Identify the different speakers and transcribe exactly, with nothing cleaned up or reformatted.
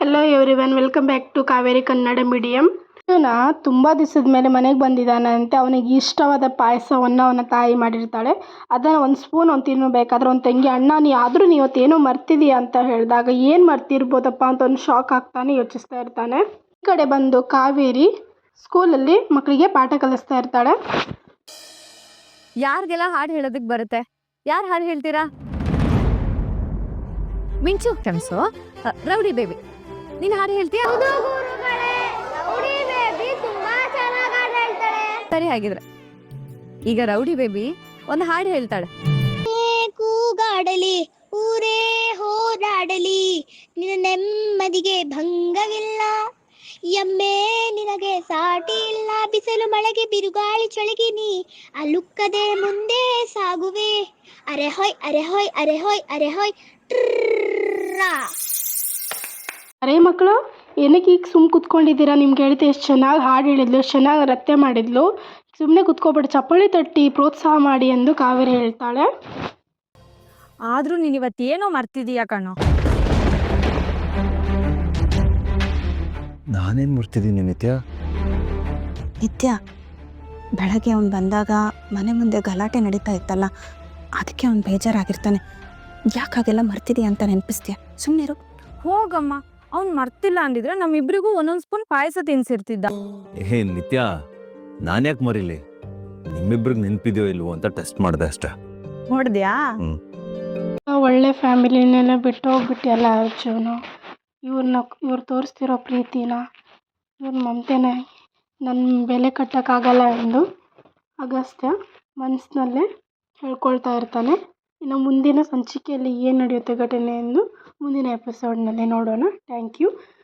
Speaker 1: Hello everyone, welcome back to Kaveri Kannada medium. ಇವನ ತುಂಬ ದಿವಸದ ಮೇಲೆ ಮನೆಗೆ ಬಂದಿದ್ದಾನಂತೆ. ಅವನಿಗೆ ಇಷ್ಟವಾದ ಪಾಯಸವನ್ನು ಅವನ ತಾಯಿ ಮಾಡಿರ್ತಾಳೆ. ಅದನ್ನು ಒಂದು ಸ್ಪೂನ್ ಅವ್ನು ತಿನ್ನಬೇಕಾದ್ರೆ ಒಂದು ತಂಗಿ, ಅಣ್ಣ ನೀ ಆದರೂ ನೀವು ಅವತ್ತೇನೋ ಮರ್ತಿದೀಯ ಅಂತ ಹೇಳಿದಾಗ ಏನು ಮರ್ತಿರ್ಬೋದಪ್ಪ ಅಂತ ಒಂದು ಶಾಕ್ ಆಗ್ತಾನೆ, ಯೋಚಿಸ್ತಾ ಇರ್ತಾನೆ. ಈ ಕಡೆ ಬಂದು ಕಾವೇರಿ ಸ್ಕೂಲಲ್ಲಿ ಮಕ್ಕಳಿಗೆ ಪಾಠ ಕಲಿಸ್ತಾ ಇರ್ತಾಳೆ.
Speaker 2: ಯಾರಿಗೆಲ್ಲ ಹಾಡು ಹೇಳೋದಕ್ಕೆ ಬರುತ್ತೆ? ಯಾರು ಹಾಡು ಹೇಳ್ತೀರಾ? ಮಿಂಚು ಕನಸು, ರೌಡಿ ಬೇಬಿ, ನೀನು ಹಾಡು ಹೇಳ್ತೀಯಾ? ಸರಿ, ಹಾಗಿದ್ರೆ ಈಗ ರೌಡಿ ಬೇಬಿ ಒಂದು ಹಾಡು ಹೇಳ್ತಾಳೆ.
Speaker 3: ಕೂಗಾಡಲಿ ಊರೇ ಹೋರಾಡಲಿ, ನಿನ್ನ ನೆಮ್ಮದಿಗೆ ಭಂಗವಿಲ್ಲ, ಎಮ್ಮೆ ನಿನಗೆ ಸಾಟಿ ಇಲ್ಲ, ಬಿಸಿಲು ಮಳೆಗೆ ಬಿರುಗಾಳಿ ಚಳಿಗಿನಿ ಅಲುಕ್ಕದೆ ಮುಂದೆ ಸಾಗುವೆ, ಅರೆ ಹೊಯ್ ಅರೆ ಹೊಯ್ ಅರೆ ಹೊಯ್ ಅರೆ ಹೊಯ್.
Speaker 1: ಅರೇ ಮಕ್ಕಳು, ಏನಕ್ಕೆ ಈಗ ಸುಮ್ಮ ಕೂತ್ಕೊಂಡಿದ್ದೀರಾ? ನಿಮ್ಗೆ ಹೇಳ್ತೆ ಎಷ್ಟು ಚೆನ್ನಾಗಿ ಹಾಡು ಹೇಳಿದ್ಲು, ಎಷ್ಟು ಚೆನ್ನಾಗಿ ನೃತ್ಯ ಮಾಡಿದ್ಲು. ಸುಮ್ಮನೆ ಕೂತ್ಕೊಬೇಡಿ, ಚಪ್ಪಾಳಿ ತಟ್ಟಿ ಪ್ರೋತ್ಸಾಹ ಮಾಡಿ ಎಂದು ಕಾವೇರಿ ಹೇಳ್ತಾಳೆ.
Speaker 2: ಆದರೂ ನೀನು ಇವತ್ತೇನೋ ಮರ್ತಿದೀಯಾ ಕಣೋ.
Speaker 4: ನಾನೇನು ಮರ್ತಿದ್ದೀನಿ ನಿತ್ಯ?
Speaker 5: ನಿತ್ಯ, ಬೆಳಗ್ಗೆ ಅವ್ನು ಬಂದಾಗ ಮನೆ ಮುಂದೆ ಗಲಾಟೆ ನಡೀತಾ ಇತ್ತಲ್ಲ, ಅದಕ್ಕೆ ಅವ್ನು ಬೇಜಾರಾಗಿರ್ತಾನೆ. ಯಾಕೆ ಹಾಗೆಲ್ಲ ಮರ್ತಿದೀಯ ಅಂತ ನೆನಪಿಸ್ತೀಯ? ಸುಮ್ಮನಿರು.
Speaker 2: ಹೋಗಮ್ಮ, ಅವ್ನು ಮರ್ತಿಲ್ಲ ಅಂದಿದ್ರೆ ನಮ್ಮಿಬ್ರಿಗೂ ಒಂದೊಂದು ಸ್ಪೂನ್ ಪಾಯಸ ತಿನ್ಸಿರ್ತಿದ್ದ.
Speaker 4: ಏ ನಿತ್ಯ, ನಾನ್ಯಾಕೆ ಮರೀಲಿ? ನಿಮ್ಮಿಬ್ರಿಗೆ ನೆನಪಿದೆಯೋ ಇಲ್ವೋ ಅಂತ ಟೆಸ್ಟ್ ಮಾಡಿದೆ ಅಷ್ಟೇ.
Speaker 2: ನೋಡಿದ್ಯಾ?
Speaker 4: ಹ್ಞೂ
Speaker 1: ಒಳ್ಳೆ ಫ್ಯಾಮಿಲಿನೆಲ್ಲ ಬಿಟ್ಟು ಹೋಗ್ಬಿಟ್ಟಿಯಲ್ಲ ಅರ್ಜುನು. ಇವ್ರನ್ನ ಇವ್ರು ತೋರಿಸ್ತಿರೋ ಪ್ರೀತಿನ, ಇವ್ರ ಮಮತೆನ ನನ್ನ ಬೆಲೆ ಕಟ್ಟೋಕ್ಕಾಗಲ್ಲ ಎಂದು ಅಗಸ್ತ್ಯ ಮನಸ್ಸಿನಲ್ಲೇ ಹೇಳ್ಕೊಳ್ತಾ ಇರ್ತಾನೆ. ಇನ್ನು ಮುಂದಿನ ಸಂಚಿಕೆಯಲ್ಲಿ ಏನು ನಡೆಯುತ್ತೆ ಘಟನೆ ಎಂದು ಮುಂದಿನ ಎಪಿಸೋಡ್ನಲ್ಲಿ ನೋಡೋಣ. Thank you.